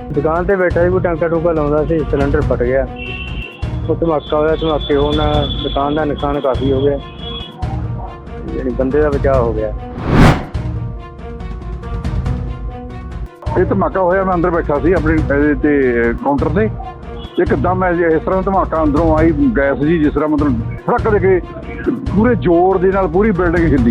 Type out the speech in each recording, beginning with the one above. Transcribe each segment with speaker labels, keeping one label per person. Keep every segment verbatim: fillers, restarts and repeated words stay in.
Speaker 1: दुकान से बैठा ही कोई टंका टूका लाਉਂਦਾ ਸੀ सिलेंडर फट गया। वो धमाका होया, धमाके होने दुकान का नुकसान काफ़ी हो गया, यानी बंदे का बचाव हो गया।
Speaker 2: ਇਹ ਧਮਾਕਾ ਹੋਇਆ, ਮੈਂ ਅੰਦਰ ਬੈਠਾ ਸੀ ਆਪਣੇ ਇਹਦੇ ਤੇ ਕਾਊਂਟਰ ਤੇ, ਇੱਕਦਮ ਇਸ ਤਰ੍ਹਾਂ ਧਮਾਕਾ ਅੰਦਰੋਂ ਆਈ ਗੈਸ ਜੀ, ਜਿਸ ਤਰ੍ਹਾਂ ਮਤਲਬ ਫੜਕ ਦੇ ਕੇ ਪੂਰੇ ਜ਼ੋਰ ਦੇ ਨਾਲ ਪੂਰੀ ਬਿਲਡਿੰਗ ਹਿੱਲੀ।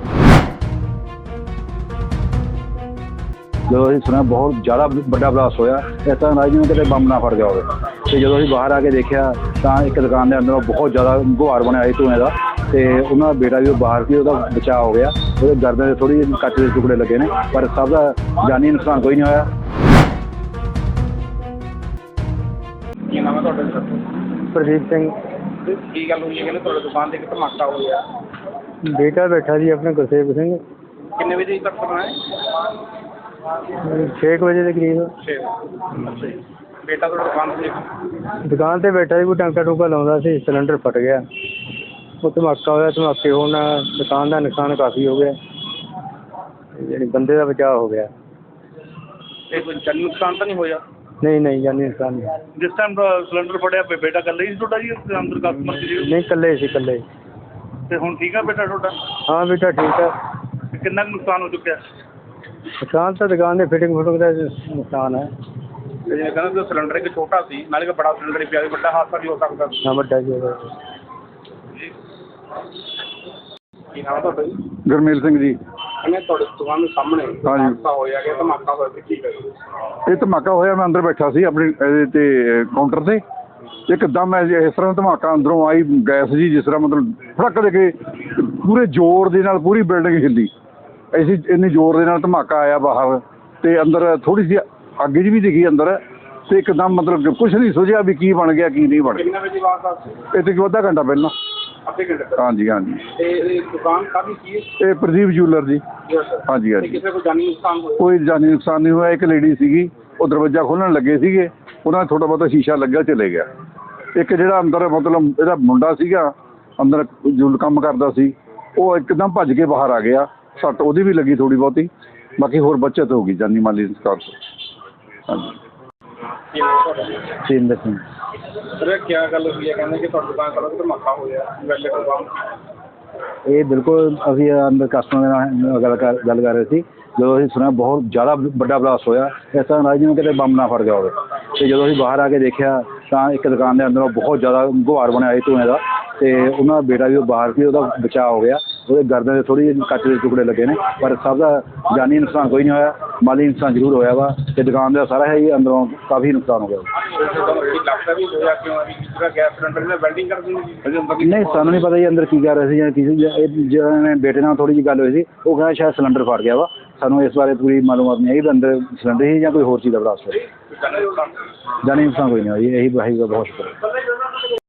Speaker 2: ਜਦੋਂ ਅਸੀਂ ਸੁਣਿਆ ਬਹੁਤ ਜ਼ਿਆਦਾ ਵੱਡਾ ਬਲਾਸਟ ਹੋਇਆ, ਇਸ ਤਰ੍ਹਾਂ ਨਾਲ ਜਿਵੇਂ ਕਿਤੇ ਬੰਬ ਨਾ ਫਟ ਗਿਆ ਹੋਵੇ। ਅਤੇ ਜਦੋਂ ਅਸੀਂ ਬਾਹਰ ਆ ਕੇ ਦੇਖਿਆ ਤਾਂ ਇੱਕ ਦੁਕਾਨ ਦੇ ਅੰਦਰੋਂ ਬਹੁਤ ਜ਼ਿਆਦਾ ਗੁਹਾਰ ਬਣਿਆ ਸੀ ਧੂੰਏਂ ਦਾ, ਅਤੇ ਉਹਨਾਂ ਦਾ ਬੇਟਾ ਵੀ ਬਾਹਰ ਸੀ, ਉਹਦਾ ਬਚਾਅ ਹੋ ਗਿਆ। ਉਹਦੇ ਗਰਦਨ ਦੇ ਥੋੜ੍ਹੀ ਜਿਹੀ ਕੱਚ ਦੇ ਟੁਕੜੇ ਲੱਗੇ ਨੇ, ਪਰ ਸਭ ਦਾ ਜਾਨੀ ਨੁਕਸਾਨ ਕੋਈ ਨਹੀਂ ਹੋਇਆ।
Speaker 3: ਕੀ ਨਾਮ ਹੈ ਤੁਹਾਡਾ?
Speaker 1: प्रदीप सिंह।
Speaker 3: ਕੀ ਗੱਲ ਹੋਈ ਹੈ? ਕਹਿੰਦੇ ਤੁਹਾਡੀ ਦੁਕਾਨ ਤੇ ਇੱਕ ਧਮਾਕਾ ਹੋ ਗਿਆ।
Speaker 1: बेटा बैठा जी अपने गुरसेवक सिंह,
Speaker 3: ਕਿੰਨੇ ਵਜੇ ਤੱਕ ਕਰਨਾ ਹੈ?
Speaker 1: छे बजे के करीब।
Speaker 3: ਛੇ ਅੱਛਾ ਜੀ। ਬੇਟਾ ਤੁਹਾਡੀ ਦੁਕਾਨ ਤੇ
Speaker 1: दुकान से बैठा ही कोई टंका टूका लाਉਂਦਾ ਸੀ, सिलेंडर फट गया। वो धमाका होया, धमाके होने दुकान का नुकसान काफ़ी हो गया, यानी बंदे का बचाव हो गया।
Speaker 3: ਇਹ ਕੋਈ ਜਾਨੀ ਨੁਕਸਾਨ ਤਾਂ ਨਹੀਂ ਹੋਇਆ?
Speaker 1: नहीं नहीं जानी नुकसान नहीं।
Speaker 3: ਜਿਸ ਟਾਈਮ ਸਿਲੰਡਰ ਫੜਿਆ ਬੇਟਾ ਇਕੱਲਾ ਹੀ ਸੀ ਤੁਹਾਡਾ ਜੀ ਅੰਦਰ ਕਸਟਮਰ ਸੀ?
Speaker 1: नहीं कल्ले से कल्ले।
Speaker 3: ਤੇ ਹੁਣ ਠੀਕ ਆ ਬੇਟਾ ਤੁਹਾਡਾ?
Speaker 1: हाँ बेटा ठीक है।
Speaker 3: ਤੇ ਕਿੰਨਾ ਕੁ ਨੁਕਸਾਨ ਹੋ ਚੁੱਕਿਆ?
Speaker 1: नुकसान तो दुकान के फिटिंग फुटिंग का नुकसान है।
Speaker 3: ਤੇ ਜਿਵੇਂ ਕਹਿੰਦੇ ਸਿਲੰਡਰ ਇੱਕ ਛੋਟਾ ਸੀ, ਨਾਲੇ ਇੱਕ ਬੜਾ ਸਿਲੰਡਰ ਪਿਆ, ਵੱਡਾ ਹਾਦਸਾ ਵੀ ਹੋ ਸਕਦਾ।
Speaker 1: हाँ बड़ा जी होगा।
Speaker 3: ਕੀ ਨਾਮ ਹੈ ਤੁਹਾਡਾ ਜੀ?
Speaker 2: ਗੁਰਮੇਲ ਸਿੰਘ ਜੀ।
Speaker 3: ਕਹਿੰਦੇ ਤੁਹਾਡੀ ਦੁਕਾਨ ਦੇ ਸਾਹਮਣੇ
Speaker 2: ਹਾਂਜੀ।
Speaker 3: ਹਾਦਸਾ ਹੋਇਆ ਕਿ ਧਮਾਕਾ ਹੋਇਆ ਸੀ, ਠੀਕ ਹੈ ਜੀ?
Speaker 2: ਇਹ ਧਮਾਕਾ ਹੋਇਆ, ਮੈਂ ਅੰਦਰ ਬੈਠਾ ਸੀ ਆਪਣੇ ਇਹਦੇ ਤੇ ਕਾਊਂਟਰ ਤੇ, ਇੱਕਦਮ ਇਸ ਤਰ੍ਹਾਂ ਧਮਾਕਾ ਅੰਦਰੋਂ ਆਈ ਗੈਸ ਜੀ, ਜਿਸ ਤਰ੍ਹਾਂ ਮਤਲਬ ਫੜਕ ਦੇ ਕੇ ਪੂਰੇ ਜ਼ੋਰ ਦੇ ਨਾਲ ਪੂਰੀ ਬਿਲਡਿੰਗ ਹਿੱਲੀ। ਅਸੀਂ ਇੰਨੀ ਜ਼ੋਰ ਦੇ ਨਾਲ ਧਮਾਕਾ ਆਇਆ ਬਾਹਰ, ਅਤੇ ਅੰਦਰ ਥੋੜ੍ਹੀ ਜਿਹੀ ਅੱਗ ਜੀ ਵੀ ਦਿਖੀ ਅੰਦਰ, ਅਤੇ ਇੱਕਦਮ ਮਤਲਬ ਕੁਛ ਨਹੀਂ ਸੋਚਿਆ ਵੀ ਕੀ ਬਣ ਗਿਆ ਕੀ ਨਹੀਂ ਬਣ ਗਿਆ।
Speaker 3: ਕਿੰਨੇ ਵਜੇ ਵਾਰਦਾਤ ਸੀ?
Speaker 2: ਇਹ ਤੋਂ ਅੱਧਾ ਘੰਟਾ ਪਹਿਲਾਂ।
Speaker 3: ਅੱਧੇ ਘੰਟੇ ਤੱਕ?
Speaker 2: ਹਾਂਜੀ ਹਾਂਜੀ।
Speaker 3: ਤੇ ਇਹ ਦੁਕਾਨ ਕਾਹਦੀ ਸੀ?
Speaker 2: ਇਹ ਪ੍ਰਦੀਪ ਜੂਲਰ ਜੀ। ਹਾਂਜੀ
Speaker 3: ਤੇ
Speaker 2: ਹਾਂਜੀ।
Speaker 3: ਕਿਸੇ ਕੋਈ ਜਾਨੀ ਨੁਕਸਾਨ ਹੋਇਆ?
Speaker 2: ਕੋਈ ਜਾਨੀ ਨੁਕਸਾਨ ਨਹੀਂ ਹੋਇਆ। ਇੱਕ ਲੇਡੀ ਸੀਗੀ, ਉਹ ਦਰਵਾਜ਼ਾ ਖੋਲ੍ਹਣ ਲੱਗੇ ਸੀਗੇ, ਉਹਨਾਂ ਦਾ ਥੋੜ੍ਹਾ ਬਹੁਤਾ ਸ਼ੀਸ਼ਾ ਲੱਗਿਆ, ਚਲੇ ਗਿਆ। ਇੱਕ ਜਿਹੜਾ ਅੰਦਰ ਮਤਲਬ ਇਹਦਾ ਮੁੰਡਾ ਸੀਗਾ, ਅੰਦਰ ਜੋ ਕੰਮ ਕਰਦਾ ਸੀ, ਉਹ ਇੱਕਦਮ ਭੱਜ ਕੇ ਬਾਹਰ ਆ ਗਿਆ। ਸੱਟ ਉਹਦੀ ਵੀ ਲੱਗੀ ਥੋੜ੍ਹੀ ਬਹੁਤੀ, ਬਾਕੀ ਹੋਰ ਬੱਚਤ ਹੋ ਗਈ ਜਾਨੀ ਮਾਲੀ ਨੁਕਸਾਨ ਤੋਂ। ਹਾਂਜੀ।
Speaker 1: सिंह सिंह।
Speaker 3: ਸਰ ਕੀ ਗੱਲ ਹੋਈ ਹੈ? ਕਹਿੰਦੇ ਕਿ ਤੁਹਾਡੀ ਦੁਕਾਨ ਕੋਲ ਧਮਾਕਾ ਹੋਇਆ ਵੈਲੇ ਦੁਕਾਨ।
Speaker 2: ਇਹ ਬਿਲਕੁਲ ਅਸੀਂ ਅੰਦਰ ਕਸਟਮਰ ਨਾਲ ਗੱਲ ਕਰ ਗੱਲ ਕਰ ਰਹੇ ਸੀ, ਜਦੋਂ ਅਸੀਂ ਸੁਣਿਆ ਬਹੁਤ ਜ਼ਿਆਦਾ ਵੱਡਾ ਬਲਾਸਟ ਹੋਇਆ, ਇਸ ਤਰ੍ਹਾਂ ਨਾਲ ਜਿਵੇਂ ਕਿਤੇ ਬੰਬ ਨਾ ਫਟ ਗਿਆ ਹੋਵੇ। ਅਤੇ ਜਦੋਂ ਅਸੀਂ ਬਾਹਰ ਆ ਕੇ ਦੇਖਿਆ ਤਾਂ ਇੱਕ ਦੁਕਾਨ ਦੇ ਅੰਦਰੋਂ ਬਹੁਤ ਜ਼ਿਆਦਾ ਗੁਹਾਰ ਬਣਿਆ ਸੀ ਧੂੰਏਂ ਦਾ, ਅਤੇ ਉਹਨਾਂ ਦਾ ਬੇਟਾ ਵੀ ਬਾਹਰ ਸੀ, ਉਹਦਾ ਬਚਾਅ ਹੋ ਗਿਆ। ਉਹਦੇ ਗਰਦਨ ਦੇ ਥੋੜ੍ਹੀ ਜਿਹੀ ਕੱਚ ਦੇ ਟੁਕੜੇ ਲੱਗੇ ਨੇ, ਪਰ ਸਭ ਦਾ ਜਾਨੀ ਨੁਕਸਾਨ ਕੋਈ ਨਹੀਂ ਹੋਇਆ। ਮਾਲੀ ਨੁਕਸਾਨ ਜ਼ਰੂਰ ਹੋਇਆ ਵਾ, ਅਤੇ ਦੁਕਾਨ ਦਾ ਸਾਰਾ ਹੀ ਅੰਦਰੋਂ ਕਾਫੀ ਨੁਕਸਾਨ ਹੋ ਗਿਆ।
Speaker 3: ਲੱਗਦਾ ਵੀ ਹੋਇਆ ਕਿਉਂ ਹੈ? ਜਿਹੜਾ ਗੈਸ ਸਿਲੰਡਰ ਨੇ ਵੈਲਡਿੰਗ ਕਰ ਦਿੱਤੀ?
Speaker 2: ਨਹੀਂ, ਸਾਨੂੰ ਨਹੀਂ ਪਤਾ ਜੀ ਅੰਦਰ ਕੀ ਕਰ ਰਹੇ ਸੀ ਜਾਂ ਕੀ ਸੀ। ਜਿਹਨਾਂ ਨੇ ਬੇਟੇ ਨਾਲ ਥੋੜ੍ਹੀ ਜਿਹੀ ਗੱਲ ਹੋਈ ਸੀ, ਉਹ ਕਹਿੰਦਾ ਸ਼ਾਇਦ ਸਿਲੰਡਰ ਫਟ ਗਿਆ ਵਾ। ਸਾਨੂੰ ਇਸ ਬਾਰੇ ਪੂਰੀ ਮਾਲੂਮਾਤ ਨਹੀਂ ਹੈਗੀ ਵੀ ਅੰਦਰ ਸਿਲੰਡਰ ਸੀ ਜਾਂ ਕੋਈ ਹੋਰ ਚੀਜ਼ ਦਾ ਬਲਾਸਟ ਹੋਇਆ। ਜਾਨੀ ਨੁਕਸਾਨ ਕੋਈ ਨਹੀਂ ਹੋਇਆ ਜੀ। ਇਹੀ ਇਹੀ ਬਹੁਤ ਸ਼ੁਕਰ ਹੈ।